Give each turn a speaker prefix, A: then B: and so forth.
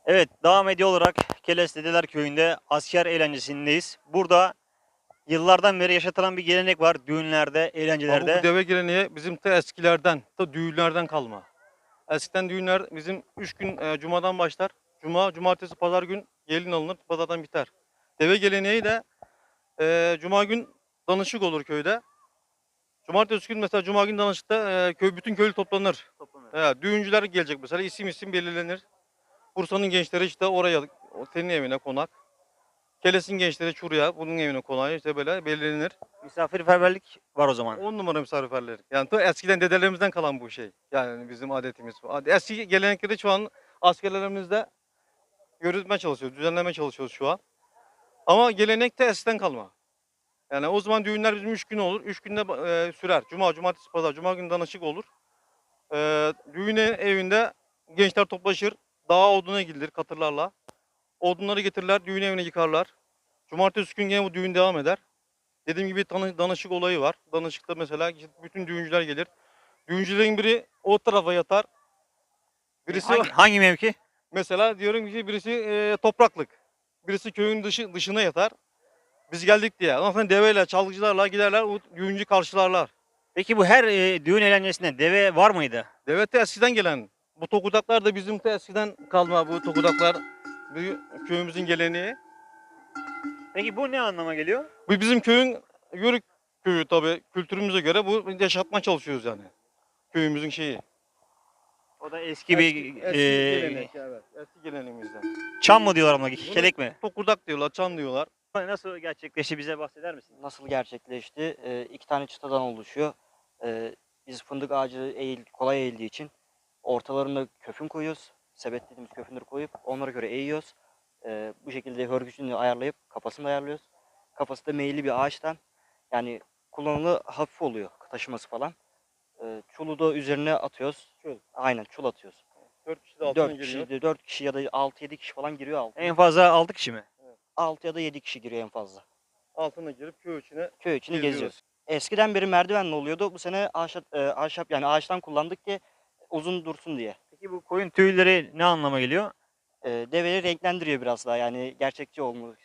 A: Evet, devam ediyor olarak Keles Dedeler Köyü'nde asker eğlencesindeyiz. Burada yıllardan beri yaşatılan bir gelenek var düğünlerde,
B: Ama bu
A: eğlencelerde.
B: deve geleneği bizim ta eskilerden, ta düğünlerden kalma. Eskiden düğünler bizim 3 gün cumadan başlar. Cuma, cumartesi, pazar gün gelin alınır, pazardan biter. Deve geleneği de cuma gün danışık olur köyde. Cumartesi gün mesela cuma gün danışıkta bütün köylü toplanır. Düğüncüler gelecek mesela isim belirlenir. Bursa'nın gençleri işte oraya, senin evine konak. Keles'in gençleri Çurya, bunun evine konağı işte böyle belirlenir.
A: Misafirperverlik var o zaman.
B: 10 numara misafirperverlik. Yani ta eskiden dedelerimizden kalan bu şey. Yani bizim adetimiz. Eski gelenekleri şu an askerlerimizde yürütmeye çalışıyoruz, düzenlemeye çalışıyoruz şu an. Ama gelenek de eskiden kalma. Yani o zaman düğünler bizim 3 gün olur. 3 günde sürer. Cuma, cumartesi, pazar. Cuma günü danışık olur. Düğün evinde gençler toplaşır. Dağa oduna gidilir katırlarla. Odunları getirirler, düğün evine yıkarlar. Cumartesi gün yine bu düğün devam eder. Dediğim gibi danışık olayı var. Danışıkta mesela bütün düğüncüler gelir. Düğüncülerin biri o tarafa yatar. Birisi
A: Hangi mevki?
B: mesela diyorum ki birisi topraklık. Birisi köyün dışına yatar. Biz geldik diye. Ondan sonra deveyle, çalgıcılarla giderler, o düğüncü karşılarlar.
A: Peki bu her düğün eğlencesinde deve var mıydı?
B: Deve de eskiden gelen. Bu tokudaklar da bizim de eskiden kalma bu tokudaklar. Bu köyümüzün geleneği.
A: Peki bu ne anlama geliyor?
B: Bu bizim köyün Yörük köyü tabii kültürümüze göre bu yaşatma çalışıyoruz yani. Köyümüzün şeyi.
A: O da eski bir
B: Eski gelenek evet. Eski geleneğimizden.
A: çam mı diyorlar ona,
B: Bunu
A: kelek mi?
B: tokurdak diyorlar, çan diyorlar.
A: Nasıl gerçekleşti bize bahseder misin?
C: Nasıl gerçekleşti? İki tane çıtadan oluşuyor. Biz fındık ağacı kolay eğildiği için ortalarına köfün koyuyoruz. Sebet dediğimiz köfünleri koyup onlara göre eğiyoruz. Bu şekilde hörgücünü ayarlayıp kafasını da ayarlıyoruz. Kafası da meyilli bir ağaçtan. Yani kullanımı hafif oluyor taşıması falan. Çulu da üzerine atıyoruz.
B: Çul.
C: Aynen çul atıyoruz.
B: 4 kişi de altına
C: 4
B: giriyor.
C: kişi, 4 kişi ya da 6-7 kişi falan giriyor altına.
A: En fazla 6 kişi mi?
C: 6 ya da 7 kişi giriyor en fazla.
B: Altına girip köy içine
C: Köy içini
B: geziyoruz.
C: geziyoruz. Eskiden beri merdivenle oluyordu. Bu sene ahşap yani ağaçtan kullandık ki uzun dursun diye.
A: Peki bu koyun tüyleri ne anlama geliyor?
C: Deveyi renklendiriyor biraz daha yani gerçekçi olmuş